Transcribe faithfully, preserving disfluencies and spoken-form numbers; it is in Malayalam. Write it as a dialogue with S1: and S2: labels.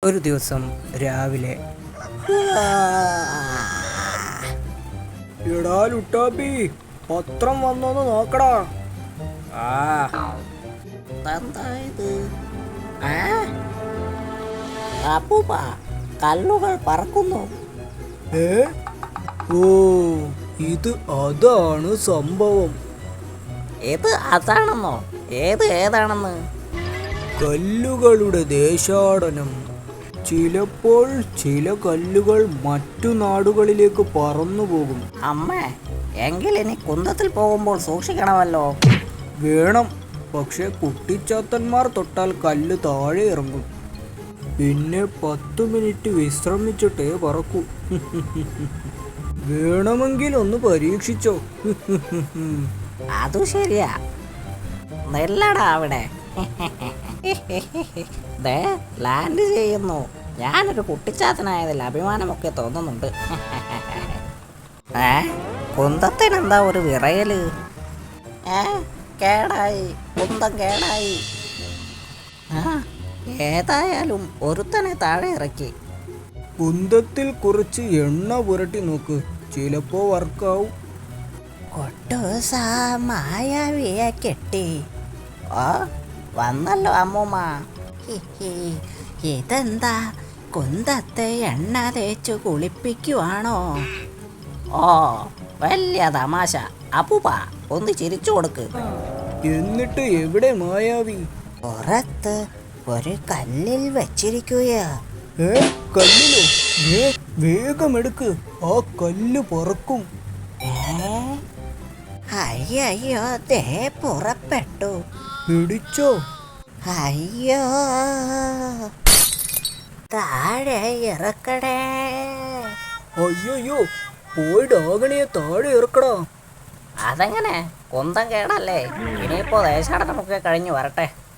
S1: ഒരു ദിവസം രാവിലെ,
S2: എടാ ലുട്ടാപ്പി, പത്രം വന്നോന്ന് നോക്കടാ.
S1: ആ
S3: എന്തായത്? അപ്പൂപ്പ, കല്ലുകൾ പറക്കുന്നു.
S2: ഏ ഓ ഇത് അതാണ് സംഭവം.
S3: ഇത് അതാണെന്നോ? ഏത് ഏതാണെന്ന്?
S2: കല്ലുകളുടെ ദേശാടനം. ചിലപ്പോൾ ചില കല്ലുകൾ മറ്റു നാടുകളിലേക്ക് പറന്നു പോകും.
S3: അമ്മേ, എങ്കിൽ ഇനി കുന്തത്തിൽ പോകുമ്പോൾ സൂക്ഷിക്കണമല്ലോ.
S2: വേണം, പക്ഷെ കുട്ടിച്ചാത്തന്മാർ തൊട്ടാൽ കല്ല് താഴെ ഇറങ്ങും. പിന്നെ പത്തു മിനിറ്റ് വിശ്രമിച്ചിട്ടേ പറക്കൂ. വേണമെങ്കിൽ ഒന്ന് പരീക്ഷിച്ചോ.
S3: അതു ശരിയാ. നെല്ലടാ അവിടെ. ദേ, ലാൻഡ് ചെയ്യുന്നു. ഞാനൊരു കുട്ടിച്ചാത്തനായതിൽ അഭിമാനമൊക്കെ തോന്നുന്നുണ്ട്. ഏ കുന്തത്തിനെന്താ ഒരു വിറയല്? ഏ കേടായി, കുന്തം കേടായി. ആ ഏതായാലും ഒരുത്തനെ താഴെ ഇറക്കി.
S2: കുന്തത്തിൽ കുറച്ച് എണ്ണ പുരട്ടി നോക്ക്, ചിലപ്പോ വർക്കാവും.
S3: കൊട്ടൂസ മായാവിയെ കെട്ടി. ഓ വന്നല്ലോ അമ്മൂമ്മ. ഇതെന്താ, കുന്തത്തെ എണ്ണ തേച്ചു കുളിപ്പിക്കുവാണോ? ഓ വലിയ തമാശ. അപ്പൂപ്പ ഒന്ന് ചിരിച്ചു കൊടുക്ക്.
S2: എന്നിട്ട് എവിടെ മായാവി?
S3: പുറത്ത് ഒരു കല്ലിൽ വെച്ചിരിക്കുകയാ.
S2: ഏ കല്ലിലോ? ഏ വേഗം എടുക്ക്, ആ കല്ല് പറക്കും.
S3: ഏ അയ്യോ, ദേ പുറപ്പെട്ടു.
S2: പിടിച്ചോ?
S3: അയ്യോ, താഴെ ഇറക്കടേ.
S2: അയ്യോ, പോയി ഡാഗണിയെ താഴെ ഇറക്കടാ.
S3: അതെങ്ങനെ? കുന്തം കേടല്ലേ? ഇനിയിപ്പോ ദേശാടനമൊക്കെ കഴിഞ്ഞു വരട്ടെ.